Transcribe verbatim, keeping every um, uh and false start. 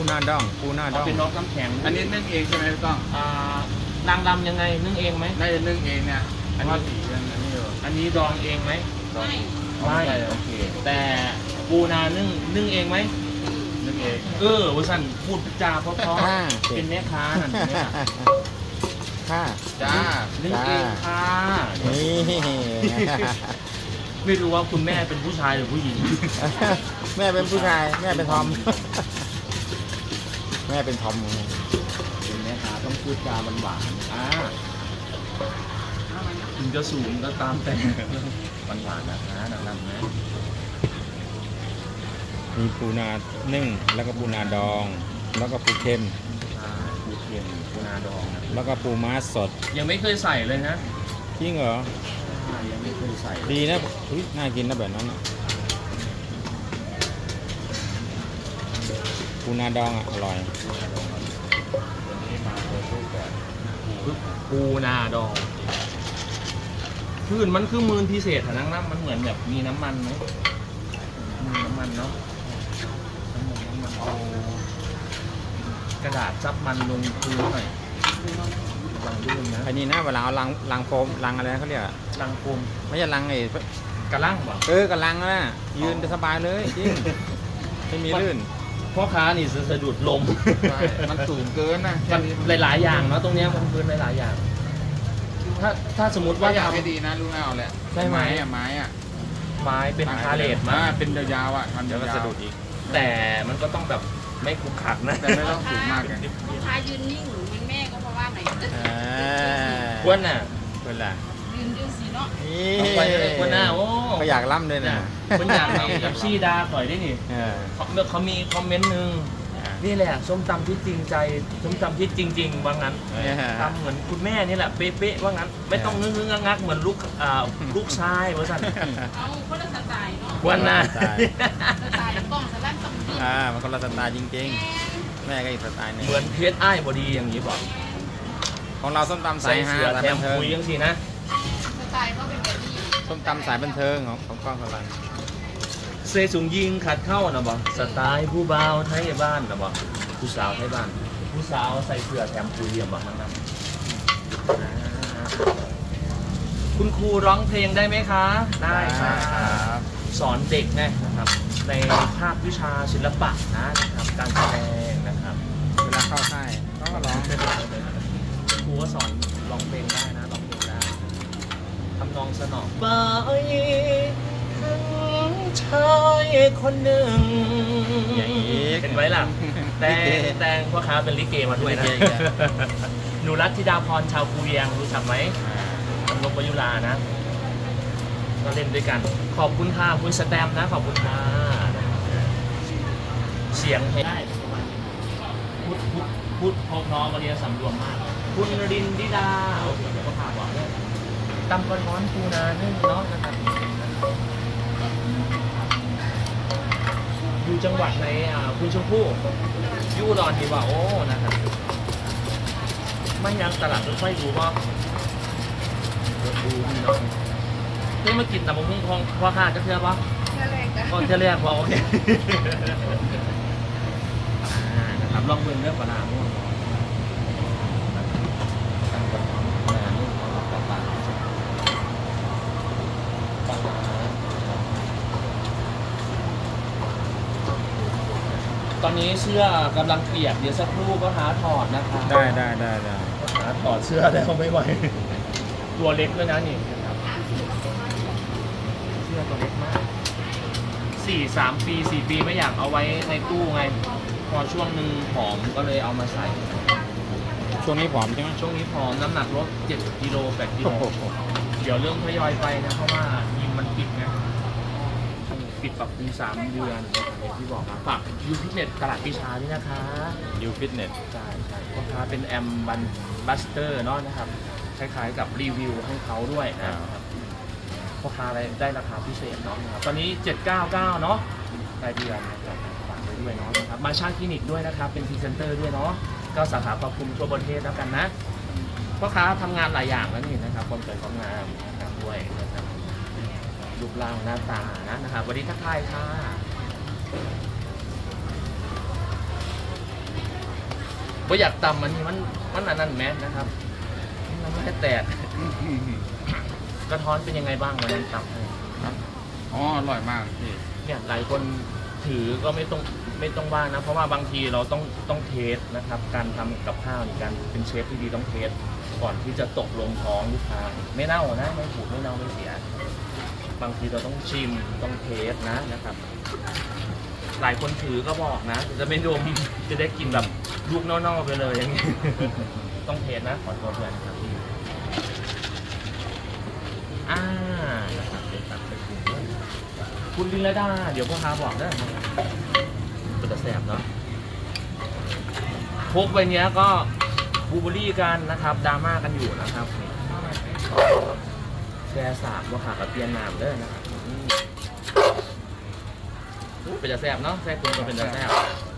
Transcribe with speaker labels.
Speaker 1: หน้าดองปูหน้าดอง
Speaker 2: เป็นนอกน้ำแข็ง
Speaker 3: อันนี้นึ่งเองใช่ไหมพี่ก้อง
Speaker 2: อ่านางรำยังไงนึ่งเองไหม
Speaker 3: น่าจะนึ่งเองเนี่ยอันนี้สีอันนี้อยู่
Speaker 2: อันนี้ดองเองไหม
Speaker 3: ดอง
Speaker 2: ไม่โอเคแต่ปูนานึ่งนึ่งเองไหม
Speaker 3: นึ่งเอง
Speaker 2: เออวสันพูดจาเพราะๆเป็นแม่ค้านั่นเนี่ย
Speaker 1: ค่ะ
Speaker 3: จ้า
Speaker 2: นึ่งเองค่ะ
Speaker 1: นี่
Speaker 2: ไม่รู้ว่าคุณแม่เป็นผู้ชายหรือผู้หญิง
Speaker 1: แม่เป็นผู้ชายแม่เป็นทอมแม่เป็นทอม
Speaker 2: เป็นแม่ค้าต้องพูดจาหวานๆอ่าถึงจะสูงก็ตามแต่หวานๆนะคะนางๆนะ
Speaker 1: มีปูนานึ่งแล้วก็ปูนาดองแล้วก็ปูเค็ม
Speaker 2: ปูเค็มปูนาดอง
Speaker 1: แล้วก็ปูม้าสด
Speaker 2: ยังไม่เคยใส่เลยนะ
Speaker 1: จริงเหรอ
Speaker 2: ยังไม่เคยใส่
Speaker 1: ดีนะน่ากินนะแบบนั้นนะปูนาดองอ่ะอร่อย
Speaker 2: ปูนาดองพื้นมันคือมือพิเศษฐานังน้ำมันเหมือนแบบมีน้ำมันไหมมีน้ำมันเนาะน้ำมันเอากระดาษซับมันลงพื้นหน่อยลังลื่นนะ
Speaker 1: อันนี้นะเวลาเอาลังลังโฟมลังอะไรเขาเรียก
Speaker 2: ลังโฟม
Speaker 1: ไม่ใช่ลังไอ้
Speaker 2: กระลังป่ะ
Speaker 1: เออกระลังนะยืนสบายเลยจริงไม่มีลื่น
Speaker 2: พ่อค้านี่สะดุดลม
Speaker 3: มันสูงเกินนะ
Speaker 2: มันหลายๆอย่างเนาะตรงนี้มันพื้นหลายๆอย่างถ้าถ้าสมมติว่า
Speaker 3: อยากให้ดีนะลูกเอาแหละ
Speaker 2: ใช่ไหม
Speaker 3: อ่ะไม้อ่ะ
Speaker 2: ไม้เป็นพาเลทมา
Speaker 3: เป็นยาวๆอ่ะมัน
Speaker 1: เดี๋ยวก็สะดุดอีก
Speaker 2: แต่มันก็ต้องแบบไม่คุกคักนะ
Speaker 3: แต่ไม่ต้องสูงมากไง
Speaker 4: ลูกค้ายืนนิ่งหรือมันแม่ก็เพราะว่าไหน
Speaker 2: ควรน่ะ
Speaker 1: ควรล่ะ
Speaker 4: ยืนยืนสีเนาะ
Speaker 2: นี่ไปเลยควรน่ะโอ้
Speaker 1: ก็อยากล่ำเลยนะ
Speaker 2: คนอยากให้เอฟซีดาปล่อยได้นี่เขาเขามีคอมเมนต์หนึ่งนี่แหละส้มตำที่จริงใจส้มตำที่จริงๆว่างั้นทำเหมือนคุณแม่นี่แหละเป๊ะๆว่างั้นไม่ต้องงึ้งๆงักๆเหมือนลูกลูกชายว่าสั่น
Speaker 4: เอาคนละสไตล์เนาะ
Speaker 2: วันน่ะ
Speaker 4: สไตล์กล้องสไลด์ต้องดี
Speaker 1: อ่ามันคนละสไตล์จริงๆแม่ก็อีกสไตล์นึง
Speaker 2: เหมือนเพชรอ้ายบอดีอย่างนี้บอก
Speaker 1: ของเราส้มตำสายฮา
Speaker 2: สายบันเทิงคุยยังสินะ
Speaker 4: สไตล์ก็เป็นแบบนี้
Speaker 1: ส้มตำสายบันเทิงของของกล้องสลัน
Speaker 2: เซซุงยิงขัดเข้านะบ่สไตล์ผู้บ่าวไทยบ้านนะบ่ผู้สาวไทยบ้านผู้สาวใส่เสื้อแถมคุยเยี่ยมบ่ทั้งนั้นคุณครูร้องเพลงได้ไหมคะได้ครับสอนเด็กไงนะครับในภาควิชาศิลปะนะนะครับการแสดงนะครับ
Speaker 1: เวลาเข้าค่ายก็ร้องค
Speaker 2: รูก็สอนร้องเพลงได้นะร้องเพลงได้ทำนองสนองไปชายคนหนึ่งเห็นไหมล่ะแต่แต่พ่อค้าเป็นลิเกมาด้วยนะหนูรัตธิดาพรชาวภูเวียงรู้จักไหมนกประยุรานะก็เล่นด้วยกันขอบคุณค่ะคุณสแตมนะขอบคุณค่ะเสียงเพลงได้พูดพูดพูดพอพร้อมมาเรียนสำรวมมากคุณรินดิดาโอเคเดี๋ยวก็พาบอกเลยตำกระท้อนปูนานึ่งเนาะนะครับอยู่จังหวัดในคุณชมพู่ยู่ดอนดีว่าโอ้นะครับไม่ยังตลาดรถไฟดูว่าดูนี่เนาะได้มากินแต่บะหมี่ของพ่อค้าจะเชื่อปะ
Speaker 4: เชื่อเลยจ้ะ
Speaker 2: ก็จะเรียกว่าโอเคนะครับลองเบิ่งเรื่องปลาหม้อตอนนี้เสื้อกำลังเปียกเดี๋ยวสักครู่ก็หาถอดนะคะ
Speaker 1: ได้ได้ได้ได้
Speaker 2: หาถอดเสื้อแล้วไม่ไหวตัวเล็กด้วยนะนี่เสื้อตัวเล็กมากสี่สามปีสี่ปีไม่อยากเอาไว้ในตู้ไงพอช่วงหนึ่งผอมก็เลยเอามาใส่
Speaker 1: ช่วงนี้ผอมใช่ไหม
Speaker 2: ช่วงนี้ผอมน้ำหนักลดเจ็ดกิโลแปดกิโลเดี๋ยวเริ่มทยอยไปนะเพราะว่ายิมมันปิดนะปิดปรับปรุงสามเดือนอย่างที่บอกครับฝากยูฟิตเนสตลาดปีชาด้วยนะคะ
Speaker 1: ยูฟิตเนส
Speaker 2: ใช่ใช่พ่อค้าเป็นแอมบันบัสเตอร์เนาะนะครับคล้ายๆกับรีวิวให้เขาด้วยนะครับพ่อค้าได้ราคาพิเศษเนาะนะครับตอนนี้เจ็ดเก้าเก้าเนาะรายเดือนนะครับฝากไว้ด้วยเนาะนะครับมาช่างคลินิกด้วยนะครับเป็นพรีเซนเตอร์ด้วยเนาะก็สาขาครอบคลุมทั่วประเทศแล้วกันนะพ่อค้าทำงานหลายอย่างแล้วนี่นะครับความสวยความงามนะครับด้วยนะครับรูปร่างหน้าตานะนะครับวันนี้ทักทายค่ะว่าอยากตำมันนี่มันมันอันนั้นแมสนะครับมันไม่ได้แตกกระท้อนเป็นยังไงบ้างวันนั้นตำให้
Speaker 3: ครับอ๋ออร่อยมากพี่
Speaker 2: เนี่ยหลายคนถือก็ไม่ต้องไม่ต้องว่านะเพราะว่าบางทีเราต้องต้องเทสนะครับ การทำกับข้าวนี่การเป็นเชฟที่ดีต้องเทสก่อนที่จะตกลงท้องลูกค้าไม่เน่านะไม่ผูกไม่เน่าไม่เสียบางทีเราต้องชิมต้องเทสนะนะครับ หลายคนถือก็บอกนะจะไม่ดมจะได้กินแบบลูกเน่าๆไปเลยอย่างนี้ ต้องเทสนะขอโทษด้วยนะครับพี่อ่านะครับเป็นตัดไปคุณด้วยคุณลินละดาเดี๋ยวพ่อค้าบอกได้นะครับเป็นตะแสบเนาะพกใบเนี้ยก็บูเบอรี่กันนะครับดราม่ากันอยู่นะครับแชร์สามว่าขากับเตียนนามเด้อนะครับเป็นตะแสบเนาะแซ่บคุณก็เป็นตะแสบ